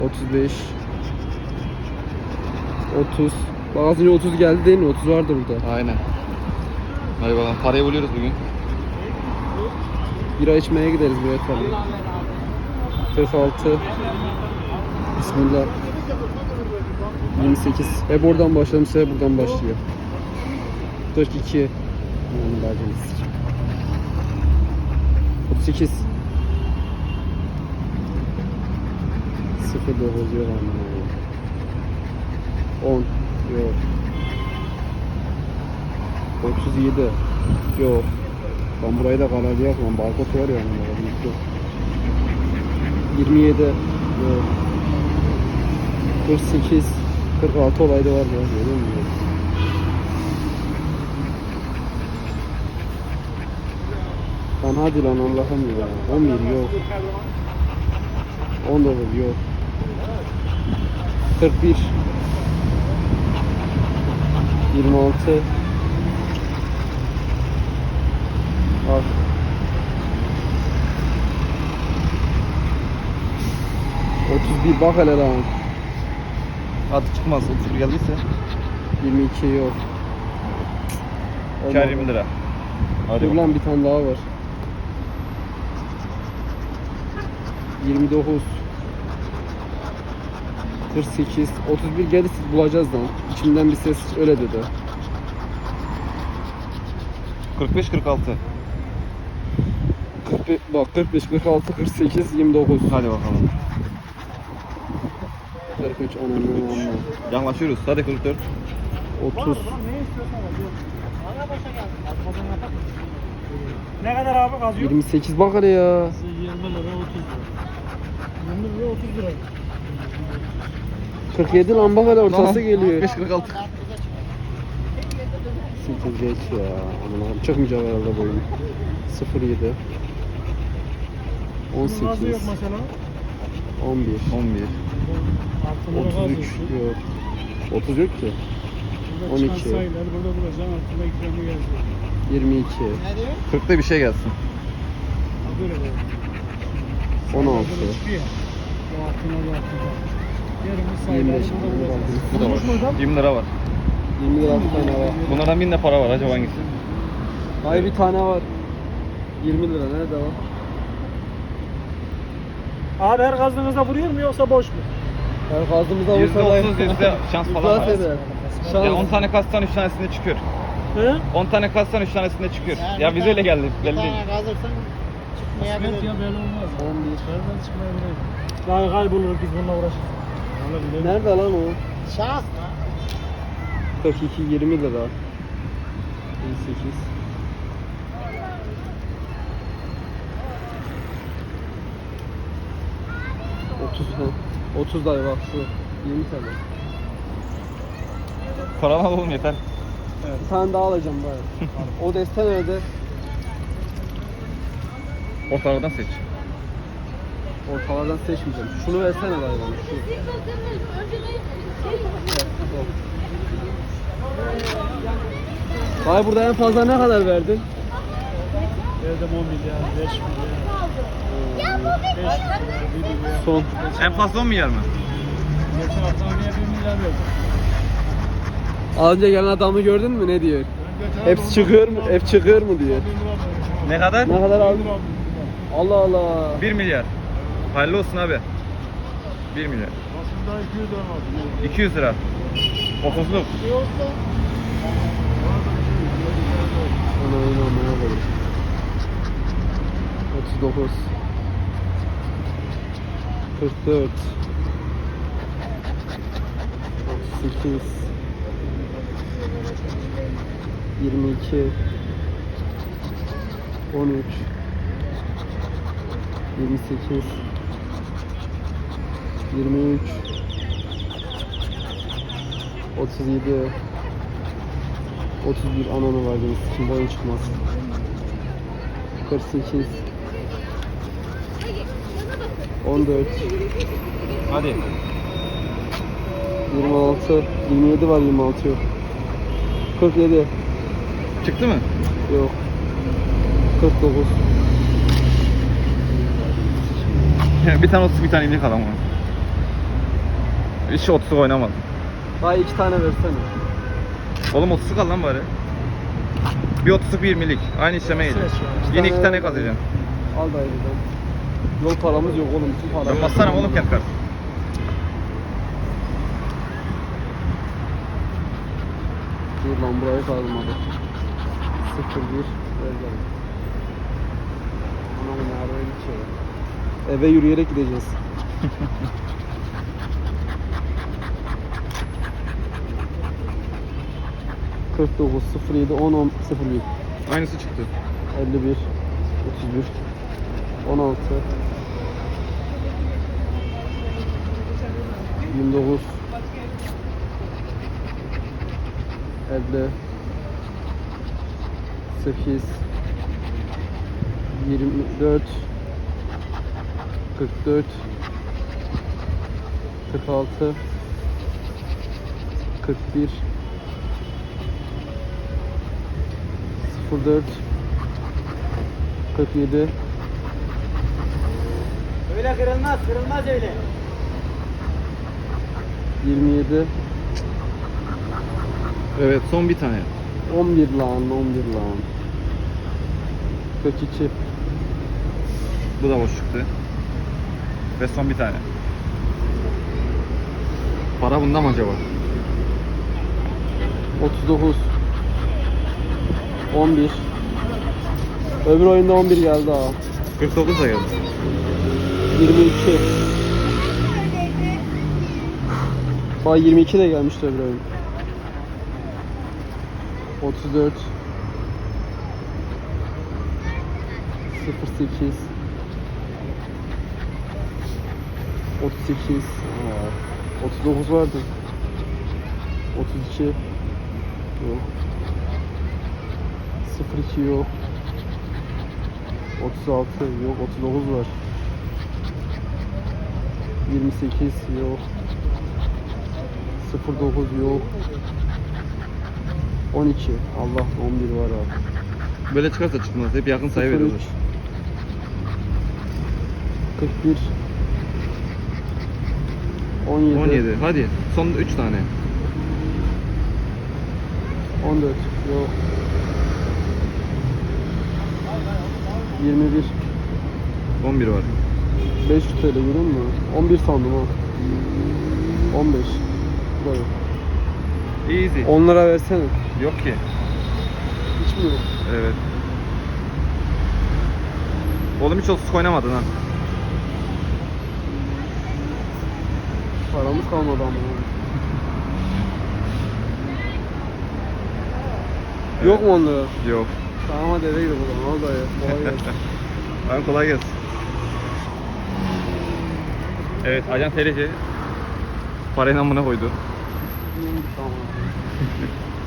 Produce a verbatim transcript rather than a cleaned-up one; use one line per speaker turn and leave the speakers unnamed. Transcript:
otuz beş otuz. Bak az önce otuz geldi değil mi? otuz vardı burada.
Aynen. Hadi bakalım parayı buluyoruz bugün.
Bira içmeye gideriz buraya tabii. kırk altı. Bismillah. yirmi sekiz. Hep oradan başladım, hep buradan başlıyor. kırk iki. Yani verdiğiniz. otuz sekiz. sıfır dokuz yok anlamı. on yok. otuz yedi yok. Ben burayı da kararlı yapmam. Barkod var ya yani. Yok. yirmi yedi yok. kırk sekiz kırk altı olayda var ya. Görüyor musun? Lan hadi lan Allah'ım ya. on bir yok. on dokuz yok. kırk bir yirmi altı al. otuz bir bak hele lan.
Hadi çıkmaz otuz bir geldiyse.
yirmi iki yok.
Kâr yirmi lira. Hadi
Dur
bakalım.
lan bir tane daha var. yirmi dokuz kırk sekiz otuz bir gelirse bulacağız lan. İçimden bir ses öyle dedi.
kırk beş kırk altı.
kırk beş, bak kırk beş kırk altı kırk sekiz yirmi dokuz.
Hadi bakalım.
kırk üç on on on.
Yaklaşıyoruz. Hadi kırk dört.
otuz.
Ne kadar abi kazıyor?
yirmi sekiz bak hele ya.
yirmi lira otuz lira. yirmi lira otuz lira.
kırk yedi lan bak hele ortası
Tamam.
geliyor.
beş kırk altı.
sekiz geç ya. Aman Allah'ım çıkmayacak herhalde bu oyun. sıfır yedi on
Bunun gazı yok
sekiz
mesela.
on bir
on bir.
Altında gaz
otuz üç yok. otuz yok ki.
Burada
on
çıkan
iki.
sayıları burada bulacaksın. Altında ikramı yazıyor.
yirmi iki
kırkta bir şey gelsin.
Ha, böyle böyle.
on altı
Burada çıkıyor. Bu altına bu altına. Yerimiz
yirmi
sayıları
beş
burada bulacaksın.
Bu da
Olmuş mu
var.
hocam?
yirmi lira var.
yirmi lira bir tane var.
Bunlardan bin de para var. Acaba hangisi?
Hayır bir tane var. yirmi lira nerede var?
Abi her gazdığınızda vuruyor mu yoksa boş mu?
Her kaldığımızda
Yüzde otuz yüzde şans falan var.
eder. Şans.
Ya on tane kastan üç tanesinde çıkıyor.
He?
on tane kastan üç tanesinde çıkıyor. Ya bize öyle geldi.
Bir
Belli değil.
tane kazırsan çıkmayabilir.
Kısmet ya belli olmaz.
on bir.
Nereden çıkmayabilir? Daha kaybolur biz bununla uğraşırız. Vallahi
Nerede lan o?
Şans mı?
kırk iki yirmi lira. yirmi sekiz otuz ha. otuz dayı bak şu. yirmi tane.
Paranı alalım yeter.
Bir tane daha alacağım dayı. O desten nerede?
Ortalardan seç.
Ortalardan seçmeyeceğim. Şunu versene dayı bana. Şu. Dayı burada en fazla ne kadar verdin?
Verdim on milyar, beş milyar, beş milyar, bir milyar.
Son.
En fazla on milyar mı?
Geçen hafta oraya bir milyar verdim.
Az önce gelen adamı gördün mü ne diyor?
Ben geçen
Hepsi
hafta
çıkıyor mu?
on
Hep çıkıyor mu diyor.
bin lira verdim.
Ne kadar?
Ne kadar
bin
aldın?
lira verdim.
Allah Allah.
bir milyar. Hayırlı olsun abi. bir milyar.
Aslında iki yüz lira var.
iki yüz lira. otuzluk.
Ana ana ana ana. otuz dokuz kırk dört otuz sekiz yirmi iki on üç yirmi sekiz yirmi üç otuz yedi otuz bir ananı var demiş. Kim boyun çıkmaz. kırk sekiz on dört
Hadi.
yirmi altı yirmi yedi var, yirmi altı yok. kırk yedi
Çıktı mı?
yok. kırk dokuz
Bir tane otuz bir tane inek adam var. Hiç otuzluk oynamadım.
Dayı iki tane versene.
Oğlum otuzluk al lan bari. Bir otuzluk bir yirmilik. Aynı işleme geliyor.
İki
Yine iki
tane
tane
ver.
kazanacaksın.
Al dayı buradan. Yol paramız yok oğlum. Bütün para.
Ben bassana oğlum kendi kart.
Dur lan burayı kazmadı. Sıfır bir. Ver gel. Anam ne araya geçiyor. Eve yürüyerek gideceğiz. kırk dokuz, sıfır yedi, on, on, sıfır bir.
Aynısı çıktı.
elli bir, otuz bir, on altı, yirmi dokuz, elli, sekiz, yirmi dört, kırk dört, kırk altı, kırk bir, sıfır dört, kırk yedi,
Öyle kırılmaz, kırılmaz öyle.
yirmi yedi,
Evet son bir tane.
on bir lan, on bir lan. kırk iki,
Bu da boş çıktı. Ve son bir tane. Para bunda mı acaba?
otuz dokuz, on bir. Öbür oyunda on bir geldi ha.
kırk dokuz da geldi.
yirmi iki. Bak yirmi iki de gelmişti öbür oyun. otuz dört, sıfır sekiz, otuz sekiz, aa, otuz dokuz vardı. otuz iki yok. sıfır iki yok. otuz altı yok. otuz dokuz var. yirmi sekiz yok. sıfır dokuz yok. on iki. Allah, on bir var abi.
Böyle çıkarsa çıkmaz. Hep yakın sayı veriyorlar.
sıfır üç, kırk bir, on yedi,
on yedi. Hadi. Son üç tane.
on dört yok. yirmi bir,
on bir var.
beş yüz T L görüyor musun? on bir sandım ha. on beş. Bu da yok.
Easy.
on lira versene.
Yok ki.
Hiç mi yok?
Evet. Oğlum hiç otuzluk oynamadın ha.
Paramız kalmadı ama. Yok mu on lira?
Yok.
Tamam hadi eve gidelim o zaman. Al dayı. Kolay gelsin.
Lan kolay gelsin. Evet, Ajan T R C parayı namına koydu.
Tamam.